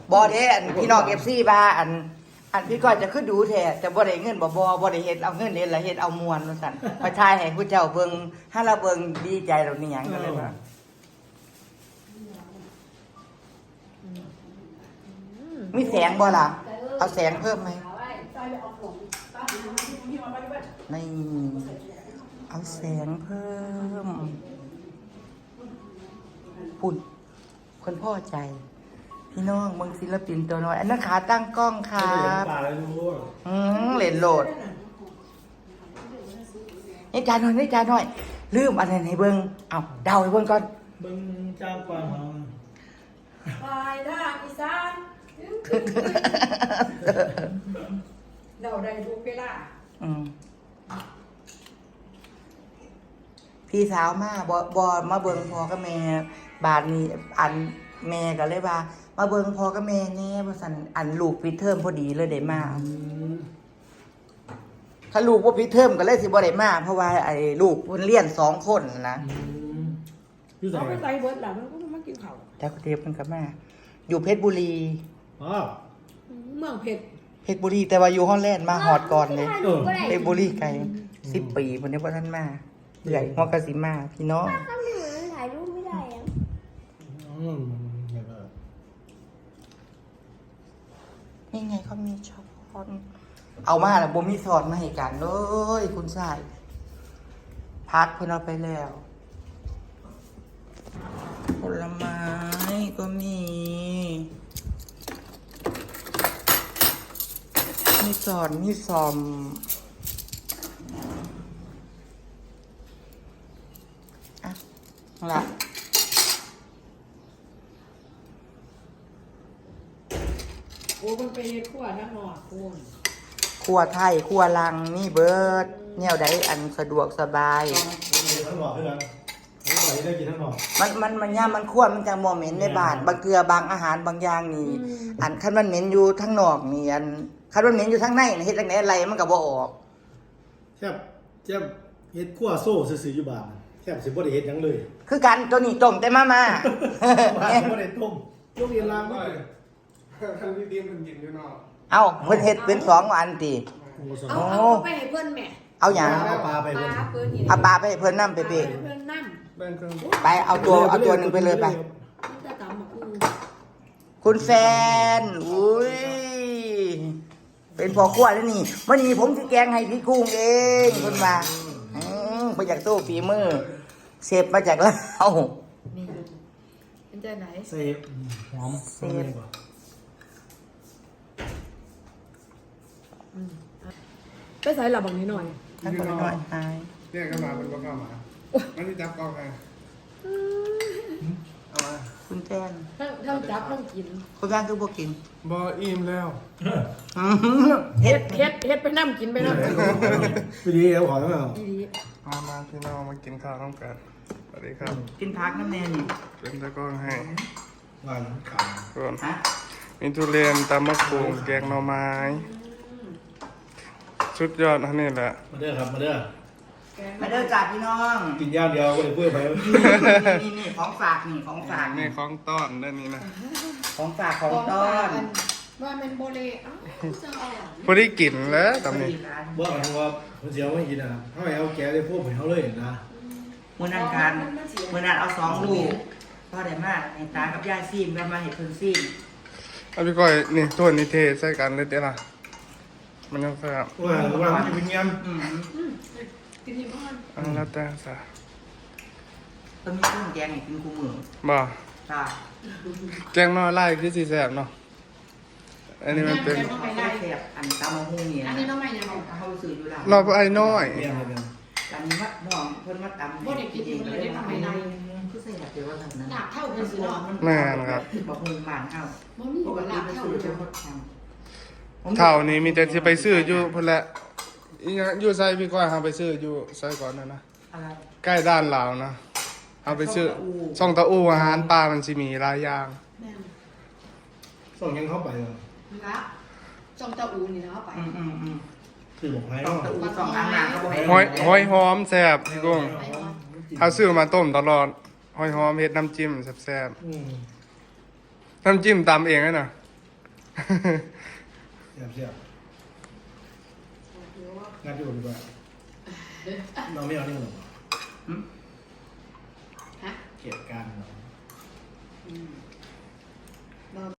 บอเด้อันพี่น้องFCบ้าอันพี่ก้อยจะขึ้นดูแท้แต่บ่ได้เงินบ่ได้เฮ็ดเอาเงินเฮ็ดละเฮ็ดเอามวลว่าซั่นพระชายให้ผู้เจ้าเบิ่งถ้าเราเบิ่งดีใจเรานี่หยังก็เลยว่ามีแสงบ่ล่ะเอาแสงเพิ่มไหมนี่เอาแสงเพิ่มปุ่นคนพ่อใจพี่น้องเมืองศิลปินตัวน้อยอันนั้นขาตั้งกล้องครับเล่นโหลดนี่จานหน่อยนี่จานหน่อยลืมอะไรให้เบิ้งเอาเดาให้เบิ้งก่อนเบิ้งเจ้ากวางของปลายทางอีสานเดาได้ทุกเวลาพี่สาวมาบอมาเบิ้งพอกับแม่บาทนี้อันแม่ก็เลยว่ามาเบิ่งพ่อกับแม่แน่ว่าซั่นอันลูกปิดเทอมพอดีเลยได้มาถ้าลูกบ่ปิดเทอมก็เลยสิบ่ได้มาเพราะว่าไอ้ลูกเพิ่นเรียน2คนนะเขาไปใส่เบิดแล้วมันก็มากินข้าวแต่ก็เทปเพิ่นก็มาอยู่เพชรบุรีอ๋อเมืองเพชรบุรีแต่ว่าอยู่ฮอลแลนด์มาฮอดก่อนเลยเพชรบุรีไกล10 ปีเพิ่นยังบ่ทันมาเอื้อยฮอดก็สิมาพี่น้องถ่ายรูปไม่ได้อ่ะนี่ไงเขามีช้อนเอามาแล้วบ่มีสอดมาให้กันเลยคุณชายพักเพิ่นเอาไปแล้วผลไม้ก็มีสอดมีซอมอ่ะละโอ้มันไปขั้วทั้งหมดคุณครัวไทยครัวลังนี่เบิร์ดแนวใดอันสะดวกสบายทั้งหมดคือกันทั้งหมดได้กินทั้งหมดมันย่ามันคั่วมันจังบ่เหม็นในบ้านบางเกลือบางอาหารบางอย่างนี่อันคันมันเหม็นอยู่ทั้งนอกนี่อันคันมันเหม็นอยู่ทั้งในเฮ็ดจังได๋อะไรมันก็บ่ออกแซ่บเฮ็ดคั่วโซ่ซื่อๆอยู่บ้านแซ่บสิบ่ได้เฮ็ดหยังเลยคือกันตัวนี้ต้มแต่มาบ่ได้ต้มยกเรียนล้างบ่ท่านพี่ดีมันกินอยู่นอกเอ้าเพิ่นเฮ็ดเป็น2อันติเอาไปให้เพิ่นแม่เอาหยังเอาปลาไปเพิ่นเอาปลาไปให้เพิ่นนำไปเพิ่นนำแบ่งเครื่องไปเอาตัวนึงไปเลยไปคุณแฟนอุ้ยเป็นพ่อครัวแล้วนี่มื้อนี้ผมสิแกงให้พี่กุ้งเองเพิ่นว่าไปจากตู้ฝีมือเชฟมาจากลาวนี่เป็นใจไหนเซฟหอมเซฟไปใส่หลับบางนิดหน่อยถ้าคนน้อยอายเรียกเข้ามาเป็นว่าเข้ามามันที่จับกล้องไงเอามาคุณแจนทั้งจับทั้งกินคุณแจนคือบ่กินบออิ่มแล้วเฮ็ดไปน้ำกินไปน้ำพี่ดีเอาขอแล้วเหรอมาพี่น้องมากินข้าวร่วมกันสวัสดีครับกินพักน้ำแน่นี่เป็นตะก้องให้หวานขาวส่วนมีทุเรียนตำมะกรูดแกงหน่อไม้ชุดยอดท่านนี่แหละมาเด้อครับมาเด้อจ่าพี่น้องกินย่างเดียวก็เลยเพื่อไปนี่ของฝากนี่ของฝากนี่ของต้อนด้านนี้นะของฝากของต้อนว่ามันโบเลพอได้กลิ่นแล้วตำนี้บ่ทางว่าคนเสียวไม่กินอ่ะเขาเอาแกได้พวกเขาเลยนะเมื่อนั้นเอา2 ลูกพ่อได้มากให้ตากับยายซีมกันมาให้เพิ่นซีมเอาพี่ก้อยนี่ตัวนี้เทใส่กันเลยเด้อล่ะมันยังแซ่บว่ามันจะเป็นยังกินที่บ้านแล้วแต่ซะต้องมีเครื่องแกงให้กินคู่มื้อบ่จ้าแกงน้อยไล่คือสิแซ่บเนาะอันนี้มันเป็นแซ่บอันตำมะฮุ่งนี่อันนี้น้องใหม่ยังเฮาซื้ออยู่แล้วเราไอ้น้อยอันนี้ว่าน้องเพิ่นมาตำบ่ได้กินเองเลยได้ทำไมได้คือใส่แบบเดียวว่านั้นหนักเท่ากันสิเนาะแม่นครับมะฮุ่งบ้านเฮาปกติไปซื้อจะหมดแถมเท่านี้มีแต่สิไปซื้ออยู่พุ่นแหละอีหยังอยู่ไสพี่ก้อยหาไปซื้ออยู่ไสก่อนนะอะไรใกล้ด้านลาวนะเอาไปซื้อช่องตะอูอาหารปลามันสิมีหลายอย่างส่งยังเข้าไปเหรอนะช่องตะอูนี่นะเข้าไปคือบอกให้ตะอู2อันน่ะก็บ่หอยหอมแซ่บพี่กุ้งเอาซื้อมาต้มตลอดหอยหอมเฮ็ดน้ำจิ้มแซ่บๆน้ำจิ้มตำเองนะเสียบงัดอยู่ดีกว่าเราไม่เอานี่หรอเก็บการเนาะ